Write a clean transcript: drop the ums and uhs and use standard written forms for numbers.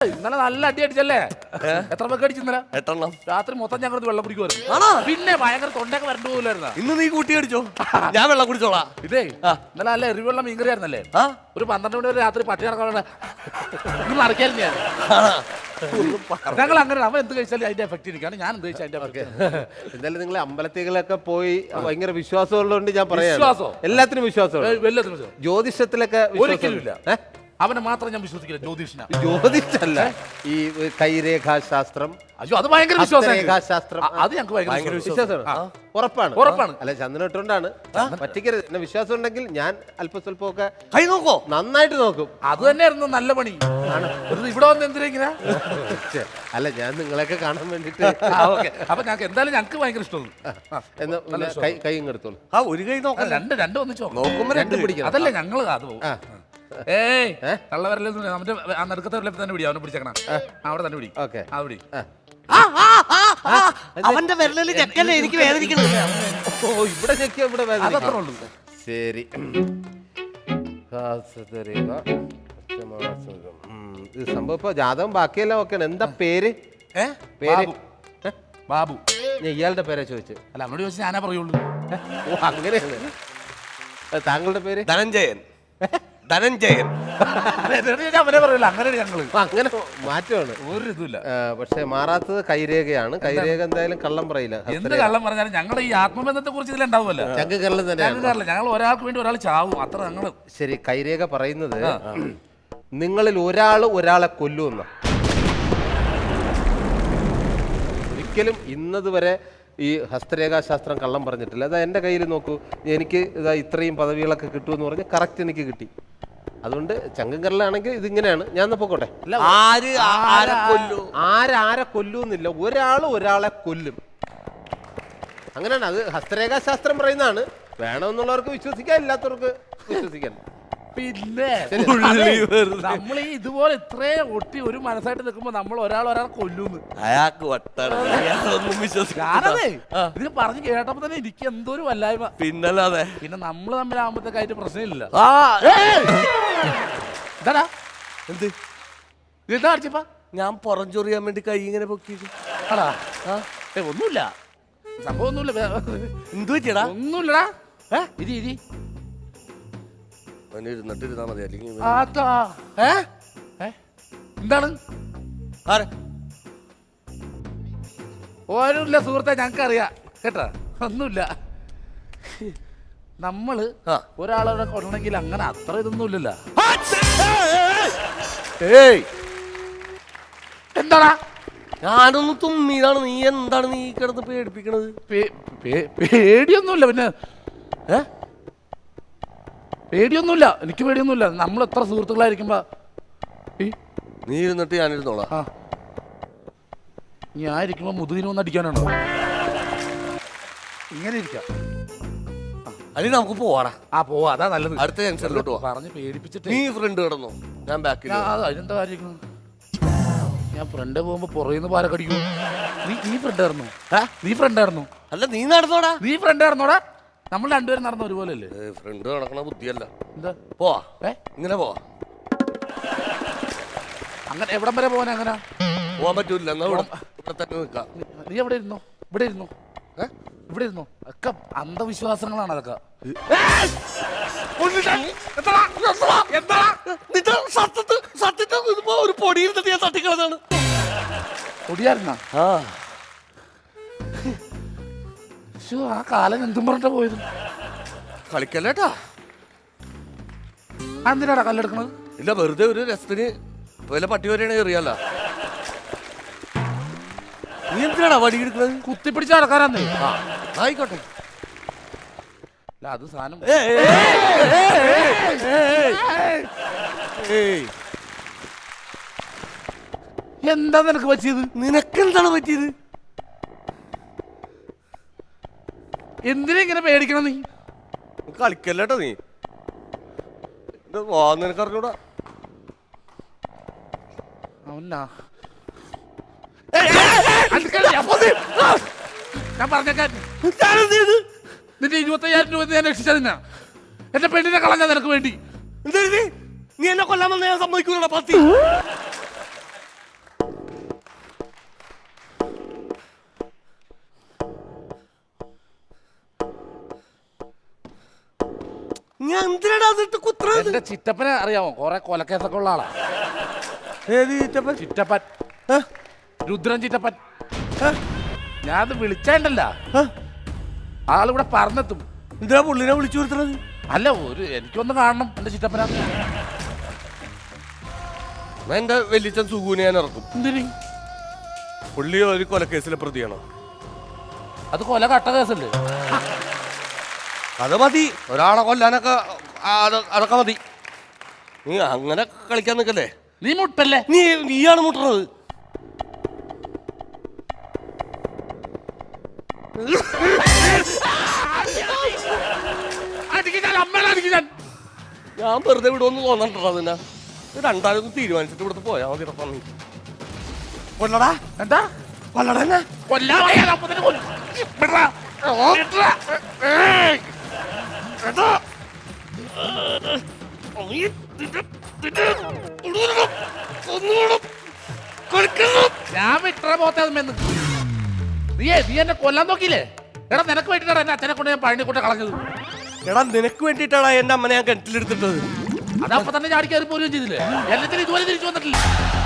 ഇന്നലെ നല്ല അടി അടിച്ചല്ലേ? എത്ര പേർക്ക് അടിച്ചു ഇന്നലെ? 8 എണ്ണം. രാത്രി മൊത്തം ഞങ്ങൾ വെള്ളം കുടിക്കുമായിരുന്നു. ആണോ? പിന്നെ ഭയങ്കര തൊണ്ടൊക്കെ വരണ്ടു പോലായിരുന്ന. ഇന്ന് നീ കൂട്ടി അടിച്ചോ? ഞാൻ വെള്ളം കുടിച്ചോളാം. ഇതേ ഇന്നലെ നല്ല എരിവെള്ളം മീൻകറി ആയിരുന്നല്ലേ? ഒരു 12 മണി വരെ രാത്രി പട്ടി നടക്കാനുള്ള നടക്കായിരുന്നു ഞാൻ. ഞങ്ങൾ അങ്ങനെ അവൻ എന്ത് കഴിച്ചാലും അതിന്റെ എഫക്ട് ഇരിക്കാണ്, ഞാൻ എന്ത് കഴിച്ചാൽ അതിന്റെ എഫക്ട്. എന്തായാലും നിങ്ങൾ അമ്പലത്തിലൊക്കെ പോയി ഭയങ്കര വിശ്വാസമുള്ളതുകൊണ്ട് ഞാൻ പറയാം. എല്ലാത്തിനും വിശ്വാസമുണ്ട്. ജ്യോതിഷത്തിലൊക്കെ ഒരിക്കലുമില്ല. അവനെ മാത്രം ഞാൻ വിശ്വസിക്കില്ല. ജ്യോതിഷല്ല, ഈ കൈരേഖാശാസ്ത്രം. അയ്യോ അത് ഭയങ്കര വിശ്വാസം. അത് ഞങ്ങൾക്ക് ഭയങ്കര വിശ്വാസമാണ്. ഉറപ്പാണ്. അല്ല ചന്ദനം ഇട്ടുകൊണ്ടാണ് പറ്റിക്കരുത്. എന്നെ വിശ്വാസം ഉണ്ടെങ്കിൽ ഞാൻ അല്പം സ്വല്പമൊക്കെ കൈ നോക്കോ, നന്നായിട്ട് നോക്കും. അത് തന്നെയായിരുന്നു നല്ല പണി. ഇവിടെ വന്ന് എന്തിനാ ഇങ്ങനെ? അല്ല ഞാൻ നിങ്ങളെയൊക്കെ കാണാൻ വേണ്ടിട്ട്. അപ്പൊ ഞങ്ങൾക്ക് എന്തായാലും ഞങ്ങൾക്ക് ഭയങ്കര ഇഷ്ടമാണ്. കൈ ഇങ്ങെടുത്തോളൂ. ഒരു കൈ നോക്കാം. രണ്ട് ഒന്നിച്ചോ നോക്കുമ്പോ 2 പിടിക്കണം. അതല്ലേ ഞങ്ങള് അത് പോകും. ഏയ് കള്ളവരല്ലേ നമ്മുടെ ആ നടുക്കത്തെ തന്നെ പിടി. അവനെ പിടിച്ചേക്കണം. അവിടെ തന്നെ പിടി. ആ പിടി. അവന്റെ വിരലിൽ ചെക്കല്ലേ എനിക്ക് വേദനിക്കുന്നത്. ഇവിടെ ചെക്കിയ ഇവിടെ അത്രേ ഉള്ളൂ. ശരി. സംഭവം ഇപ്പൊ ജാതകം ബാക്കിയെല്ലാം ഓക്കെയാണ്. എന്താ പേര്? ബാബു. ഞാൻ ഇയാളുടെ പേരാ ചോദിച്ചു. അല്ല അവനോട് ചോദിച്ചാൽ ഞാനാ പറയുള്ളൂ. അങ്ങനെയാണ്. താങ്കളുടെ പേര്? ധനഞ്ജയൻ. അവനെ പറയില്ല. അങ്ങനെ ഞങ്ങള് അങ്ങനെ മാറ്റമാണ്. ഒരു ഇതുമില്ല. പക്ഷെ മാറാത്തത് കൈരേഖയാണ്. കൈരേഖ എന്തായാലും കള്ളം പറയില്ല. എന്ത് കള്ളം പറഞ്ഞാലും ഞങ്ങൾ ഈ ആത്മബന്ധത്തെ കുറിച്ച് ഇതിലുണ്ടാവുമല്ലോ. ചങ്കകരളം തന്നെയാണ്. ഞങ്ങൾ ഒരാൾക്ക് വേണ്ടി ഒരാൾ ചാവും, അത്ര ഞങ്ങള്. ശരി, കൈരേഖ പറയുന്നത് നിങ്ങളിൽ ഒരാളെ കൊല്ലുമെന്ന. ഒരിക്കലും ഇന്നതുവരെ ഈ ഹസ്തരേഖാശാസ്ത്രം കള്ളം പറഞ്ഞിട്ടില്ല. അതാ എൻ്റെ കയ്യിൽ നോക്കൂ, എനിക്ക് ഇതാ ഇത്രയും പദവികളൊക്കെ കിട്ടുമെന്ന് പറഞ്ഞ് കറക്റ്റ് എനിക്ക് കിട്ടി. അതുകൊണ്ട് ചങ്കങ്കരലാണെങ്കിൽ ഇതിങ്ങനെയാണ്. ഞാൻ പൊക്കോട്ടെ. ആരെ കൊല്ലൂന്നില്ല, ഒരാളെ കൊല്ലും. അങ്ങനെയാണ്. അത് ഹസ്തരേഖാശാസ്ത്രം പറയുന്നതാണ്. വേണമെന്നുള്ളവർക്ക് വിശ്വസിക്കാം, ഇല്ലാത്തവർക്ക് വിശ്വസിക്കാൻ. പിന്നെ നമ്മൾ ഈ ഇതുപോലെ ഇത്രയും ഒട്ടി ഒരു മനസ്സായിട്ട് നിൽക്കുമ്പോ നമ്മൾ ഒരാളെ കൊല്ലൂന്ന് അയാൾക്ക് ഞാനതേ ഇതിന് പറഞ്ഞു കേട്ടപ്പോ തന്നെ എനിക്ക് എന്തോ ഒരു വല്ലായ്മ. പിന്നല്ലാതെ പിന്നെ നമ്മള് തമ്മിലാകുമ്പോഴത്തേക്കായിട്ട് പ്രശ്നമില്ല. എന്താ അടിച്ചപ്പാ? ഞാൻ പുറംചൊറിയാൻ വേണ്ടി കൈ ഇങ്ങനെ പൊക്കിയത്. ഒന്നുമില്ല, സംഭവം ഒന്നുമില്ല. എന്തു പറ്റിയടാ? ഒന്നുമില്ലടാ. ഇരി ഇരുന്നിട്ടിരുന്നാ മതി. അല്ലെങ്കിൽ എന്താണ്? ഓരോല്ല സുഹൃത്തെ, ഞങ്ങൾക്കറിയാം കേട്ടാ. ഒന്നുമില്ല. നമ്മള് ഒരാളെ കൊള്ളണമെങ്കിൽ അങ്ങനെ അത്ര ഇതൊന്നുമില്ലല്ലോ. എന്താടാ? ഞാനൊന്ന് തുമ്മിയതാണ്. നീ എന്താണ് നീ കിടന്ന് പേടിപ്പിക്കണത്? പേടിയൊന്നുമില്ല. പിന്നെ പേടിയൊന്നുമില്ല, എനിക്ക് പേടിയൊന്നുമില്ല. നമ്മൾ എത്ര സുഹൃത്തുക്കളായിരിക്കുമ്പോ നീ ഇരുന്നിട്ട് ഞാനിരുന്നോളാം. ഞാൻ ഇരിക്കുമ്പോ മുതുകിനൊന്നും അടിക്കാനാണോ? ഇങ്ങനെ ഇരിക്കാം. അല്ലെങ്കിൽ നമുക്ക് പോവാടാ. പോവാ, അതാ നല്ലത്. അടുത്ത ജംഗ്ഷനിലോട്ട് പോവാ. പറഞ്ഞ് പേടിപ്പിച്ചിട്ട് നീ ഫ്രണ്ട് കിടന്നു, ഞാൻ ബാക്കിൽ. അതിനെന്താ കാര്യം? ഞാൻ ഫ്രണ്ട് പോകുമ്പോ പുറയുന്ന പാലക്കടിക്കും. നീ ഫ്രണ്ട് ആയിരുന്നു? നീ ഫ്രണ്ട് ആയിരുന്നു? അല്ല, നീ നടന്നോടാ. നീ ഫ്രണ്ട് ആയിരുന്നോടാ? നമ്മൾ രണ്ടുപേരും നടന്ന ഒരുപോലെ അല്ലേ? ഫ്രണ്ട് നടക്കണ ബുദ്ധിയല്ല. എന്താ? പോവാ, ഇങ്ങനെ പോവാ. അങ്ങനെ എവിടം വരെ പോവാൻ? അങ്ങനെ പോവാൻ പറ്റൂല. എന്നാ ഇവിടെ തന്നെ നിൽക്കാം. നീ എവിടെ ഇരുന്നോ? ഇവിടെ ഇരുന്നോ? ഇവിടെ ഇരുന്നോ? ഒക്കെ അന്ധവിശ്വാസങ്ങളാണ് അതൊക്കെ. ഒരു പൊടിയിൽ ഞാൻ തട്ടിക്കളതാണ്. പൊടിയായിരുന്ന? ആ കാലം എന്തും പറഞ്ഞിട്ടാ പോയത്. കളിക്കല്ലേട്ടാ. എന്തിനാടാ കല്ലെടുക്കണത്? ഇല്ല, വെറുതെ ഒരു രസത്തിന്. വല്ല പട്ടി വരെയാണെങ്കിൽ എറിയാലോ. നീ എന്തിനാടാ വടി എടുക്കുന്നത്? കുത്തിപ്പിടിച്ച് നടക്കാനാന്നേ. ആയിക്കോട്ടെ. അല്ല അത് സാധനം. എന്താ നിനക്ക് പറ്റിയത്? നിനക്കെന്താണ് പറ്റിയത്? എന്തിനാ ഇങ്ങനെ പേടിക്കണം നീ? കളിക്കല്ലേട്ടോ നീ. നിനക്കറിഞ്ഞൂടാ. ഞാൻ പറഞ്ഞേക്കാൻ നിന്റെ 25,000 രൂപ ഞാൻ രക്ഷിച്ചതിനാ. എന്റെ പെണ്ണിനെ കളഞ്ഞാ നിനക്ക് വേണ്ടി. നീ എന്നെ കൊല്ലാൻ വന്ന ഞാൻ സമ്മതിക്കൂടാ. പത്തി നീ എന്തിനാടാ അതിട്ട് കുത്തുന്നത്? എന്റെ ചിറ്റപ്പനെ അറിയാമോ? കുറെ കൊലക്കേസൊക്കെ ഉള്ള ആളാ. ഏത് ചിറ്റപ്പൻ? ചിറ്റപ്പൻ, ഏ? രുദ്രൻ ചിറ്റപ്പൻ. ഏ? ഞാനത് വിളിച്ചേണ്ടല്ല, ഏ? ആളിവിടെ പറഞ്ഞെത്തും. എന്തിനാ പുള്ളിനെ വിളിച്ചു വരുത്തണത്? അല്ല, എനിക്കൊന്ന് കാണണം എന്റെ ചിറ്റപ്പന. എന്റെ വലിയച്ഛൻ സുഖൂനെ ഞാൻ ഇറക്കും. എന്തിന്? പുള്ളി ഒരു കൊലക്കേസിലെ പ്രതിയാണ്. അത് കൊല കട്ട കേസല്ലേ? അത് മതി, ഒരാളെ കൊല്ലാനൊക്കെ അതൊക്കെ മതി. നീ അങ്ങനെ കളിക്കാൻ നിൽക്കല്ലേ. നീ മുട്ടല്ലേ? നീയാണ് മുട്ടുന്നത്. ഞാൻ വെറുതെ വിടുമെന്ന് തോന്നണ്ടോ? അതിനാ രണ്ടാലും ഒന്ന് തീരുമാനിച്ചിട്ട് ഇവിടുത്തെ പോയാ മതി. കൊല്ലടാ. എന്താ കൊല്ലടാ എന്നെ. ഞാൻ വിട്ട പോത്തെ നീ എന്നെ കൊല്ലാൻ നോക്കിയില്ലേ? എടാ, നിനക്ക് വേണ്ടിട്ടാണ് എന്റെ അച്ഛനെ കൊണ്ട് ഞാൻ പഴനിക്കൂട്ട കളഞ്ഞത്. എടാ, നിനക്ക് വേണ്ടിയിട്ടാണ് എന്റെ അമ്മനെ ഞാൻ കിണറ്റിലെടുത്തിട്ടത്. അതപ്പൊ തന്നെ ചാടി കയറി പോരുകയും ചെയ്തില്ലേ? എല്ലാത്തിനും ഇതുപോലെ തിരിച്ചു വന്നിട്ടില്ല.